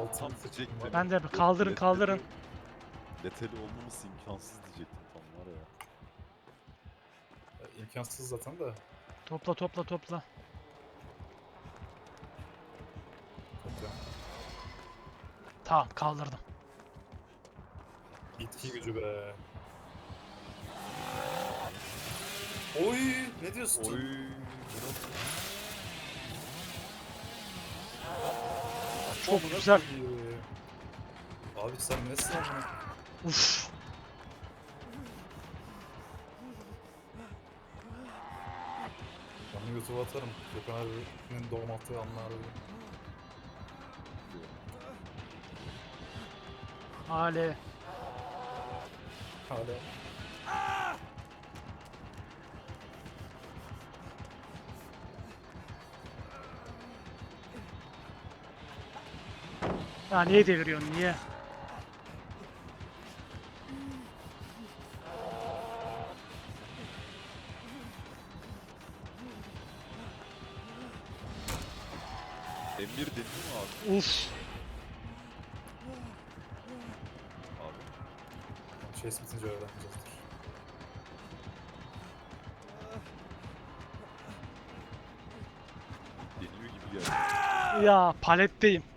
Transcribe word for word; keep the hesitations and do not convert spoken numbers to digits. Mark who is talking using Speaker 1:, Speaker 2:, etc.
Speaker 1: altı
Speaker 2: Tam
Speaker 1: seçtim
Speaker 2: diyecektim.
Speaker 1: var.
Speaker 3: Ben de bir kaldırın
Speaker 2: Leteli-
Speaker 3: kaldırın.
Speaker 2: Leteli olmaması imkansız diyecektim tam var ya.
Speaker 1: Ya, İmkansız zaten de.
Speaker 3: Topla topla topla.
Speaker 1: Toplam.
Speaker 3: Tamam kaldırdım.
Speaker 1: İtki gücü be. Oy, ne diyorsun?
Speaker 2: Oy.
Speaker 3: Çok
Speaker 1: Amına
Speaker 3: güzel.
Speaker 1: koyayım. Abi sen nesin amına?
Speaker 3: Uf.
Speaker 1: Ben YouTube'a atarım. Gökhan abinin doğum attığı anlar.
Speaker 3: Hale.
Speaker 1: Hala.
Speaker 3: Ya niye deviriyorsun niye?
Speaker 2: M bir dedin mi abi?
Speaker 3: Uf.
Speaker 2: Abi.
Speaker 1: Chase bitince öğreneceğizdir.
Speaker 2: Deniyor gibi geldi.
Speaker 3: Ya paletteyim.